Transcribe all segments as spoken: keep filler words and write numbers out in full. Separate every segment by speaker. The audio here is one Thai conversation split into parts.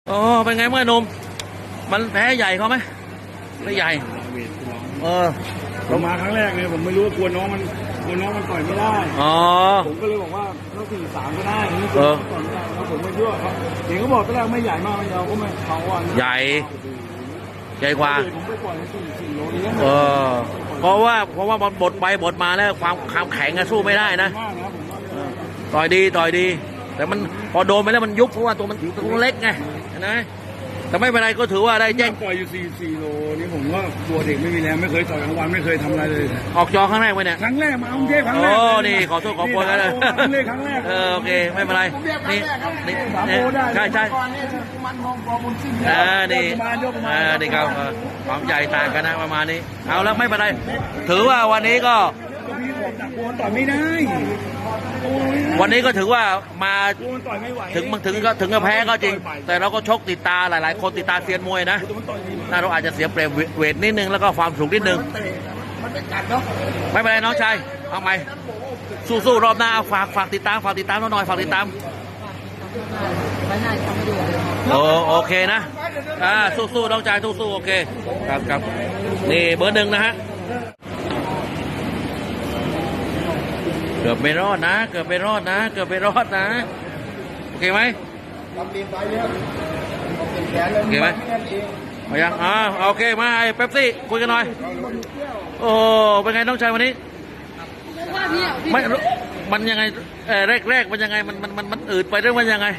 Speaker 1: อ๋อเป็นไงเมื่อหนุ่มมันแพ้ใหญ่เขาไหมไม่ใหญ่เออ
Speaker 2: ผมมาครั้งแรกเนี่ยผมไม่รู้ว่ากลัวน้องมันกลัวน้องมันต่อยไม่ได้
Speaker 1: อ๋อ
Speaker 2: ผมก็เลยบอกว่าต้องสี่สามก็ได้นี่คือต่อยไม่ได้แล้วผมไม่เชื่อครับเห็นเขาบอกตอนแรกไม่ใหญ่มากไม่ยาวก็ไม่เขาวัน
Speaker 1: ใหญ่ใหญ่กว่า
Speaker 2: ผมไปปล่อยสี่สี่โลนี้
Speaker 1: เออเพราะว่าเพราะว่าบทไปบทมาแล้วความความแข็งสู้ไม่ได้นะต่อยดีต่อยดีแต่มันพอโดนไปแล้วมันยุบเพราะว่าตัวมันตัวเล็กไงนะแต่ไม่เป็นไรก็ถือว่าได้แจ้ง
Speaker 2: ปล่อยอยู่สี่สี่โลนี่ผมก็ตัวเด็กไม่มีแรงไม่เคยต่อยกลางวันไม่เคยทำอะไรเลย
Speaker 1: ออกจอครั้งแรกไปเนี่ย
Speaker 2: ครั้งแรกมาเอาเทพครั้งแรก
Speaker 1: โอ้นี่ขอโทษขอโทษกันเลย
Speaker 2: ครั้งแรกครั้งแรก
Speaker 1: เออโอเคไม่เป็นไรนี่นี่ใช่ใช่อ่านี่อ่านี่ครับความใหญ่ต่างกันนะประมาณนี้เอาแล้วไม่เป็นไรถือว่าวันนี้ก็
Speaker 2: ต่อยไม่ได้
Speaker 1: วันนี้ก็ถือว่ามาถึงมันถึงก็ถึงกับแพ้ก็จริงแต่เราก็ชกติดตาหลายๆคนติดตาเซียนมวยนะน่าเราอาจจะเสียเปรียบเวทนิดนึงแล้วก็ความสูงนิดนึงไม่เป็นไรน้องชายเอาใหม่สู้ๆรอบหน้าฝากฝากติดตามฝากติดตามหน่อยฝากติดตามโอโอเคนะอ่าสู้ๆน้องชายสู้ๆโอเคครับครับนี่เบอร์หนึ่งนะฮะเกือบไม่รอดนะเกือบไม่รอดนะเกือบไม่รอดนะโอเคไหมโอเคไหมเอายังอ่าโอเคมาไอ้เป๊ปซี่คุยกันหน่อยโอ้เป็นไงน้องชายวันนี้ไม่มันยังไงเออแรกๆมันยังไงมันมันมันมันอืดไปหรือมันยังไง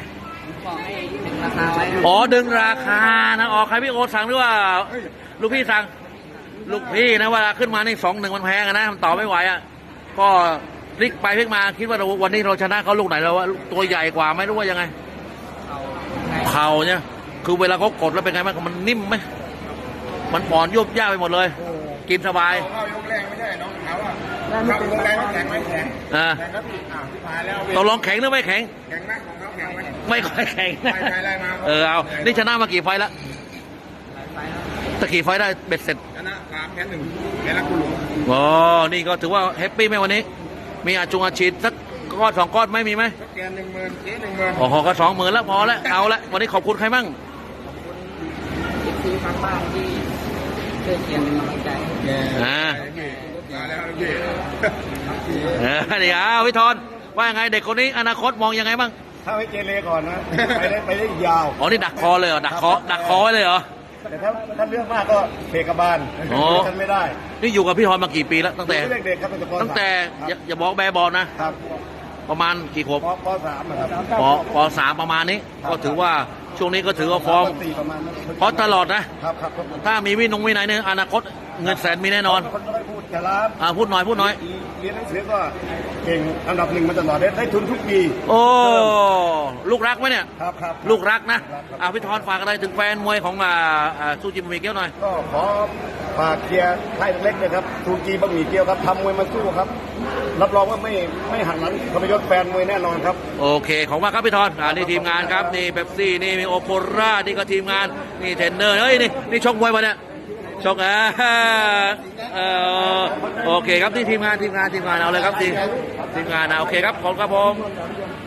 Speaker 1: อ๋อดึงราคานะอ๋อใครพี่โอสั่งหรือว่าลูกพี่สั่งลูกพี่นะเวลาขึ้นมานี่สองหนึ่งมันแพงนะมันต่อไม่ไหวอ่ะก็พลิกไปพลิกมาคิดว่าวันนี้เราชนะเขาลูกไหนเราว่าตัวใหญ่กว่าไม่รู้ว่ายังไงเข่าเนี่ยคือเวลาเขากดแล้วเป็นไงบ้างมันนิ่มไหมมันอ่อนยุบยากไปหมดเลยกินสบาย
Speaker 2: เข้ายกแรงไม่ใช่น้องเขาอ่ะเข้ายกแรงแข็งไม่แข็ง
Speaker 1: อ่าตกลงแข็งหรือไม่แข็ง
Speaker 2: แข็งมากของเขาแข็งไหม
Speaker 1: ไม่ค่อยแข็งเออเอานี่ชนะมากี่ไฟแล้วตะกี่ไฟได้เบ็ดเสร็จ
Speaker 2: ชนะสามแพ้หนึ่งแพ้รักกุหลง
Speaker 1: อ๋อนี่ก็ถือว่าแฮปปี้ไหมวันนี้มีอาจุงอาชีพสักก้อนสองก้อนไม่มีไหม
Speaker 2: แกนหนึ่งหมื่นเจ๊หนึ่งหมื่น
Speaker 1: โอ้โหก็สองหมื่นแล้วพอแล้วเอาละวันนี้ขอบคุณใครบ้าง
Speaker 3: อีกทีทางบ้านที่เชื่อเชียร์เป็นกำลังใจ
Speaker 1: อ่า
Speaker 2: มาแล้วพี่
Speaker 1: เออเดี๋ยวพี่ธรว่ายังไงเด็กคนนี้อนาคตมองยังไงบ้าง
Speaker 2: ถ้าไม่เกเรก่อนนะไปได้ไปได้ยาว
Speaker 1: อ๋อนี่ดักคอเลยเหรอดักคอดักคอไว้เลยเหรอ
Speaker 2: แต่ถ้าถ้าเลือกมากก็เพกบาลฉันไม่ได้
Speaker 1: นี่อยู่กับพี่ธรมากี่ปีแล้วตั้งแต่
Speaker 2: เด็กๆครับ
Speaker 1: ตั้งแต่อย่าบอกแบบบอลนะครับประมาณกี่ขวบ
Speaker 2: ปสามครับ
Speaker 1: ปปสามประมาณนี้ก็ถือว่าช่วงนี้ก็ถือว่าฟอร์มเพราะตลอดนะถ้ามีวินงวินัยเนี่ยอนาคตเงินแสนมีแน่นอน
Speaker 2: พูดแต่ละ
Speaker 1: อ่าพูดหน่อยพูดหน่อย
Speaker 2: เรียนหนังสือก็เก่งอันดับหนึ่งมาตลอดได้ทุนทุกปี
Speaker 1: โอ้ลูกรักไหมเนี่ย
Speaker 2: ครับครับ
Speaker 1: ลูกรักนะอ่าพี่ธรฝากอะไรถึงแฟนมวยของอ่าซูจิบะหมี่เกี๊ยวหน่อย
Speaker 2: ก็ขอฝากเชียร์ไทยเล็กเลยครับซูจิบะหมี่เกี๊ยวครับทำมวยมาสู้ครับรับรองว่าไม่ไม่หันหลังทรยศแฟนมวยแน่นอนครับ
Speaker 1: โอเคของมากครับพี่ธรอ่านี่ทีมงานครับนี่เป๊ปซี่นี่มีโอโครานี่ก็ทีมงานนี่เทรนเนอร์เฮ้ยนี่นี่ชกมวยมาเนี่ยชกอ่าเออโอเคครับที่ทีมงานทีมงานทีมงานเอาเลยครับทีมทีมงานนะโอเคครับขอบคุณครับผม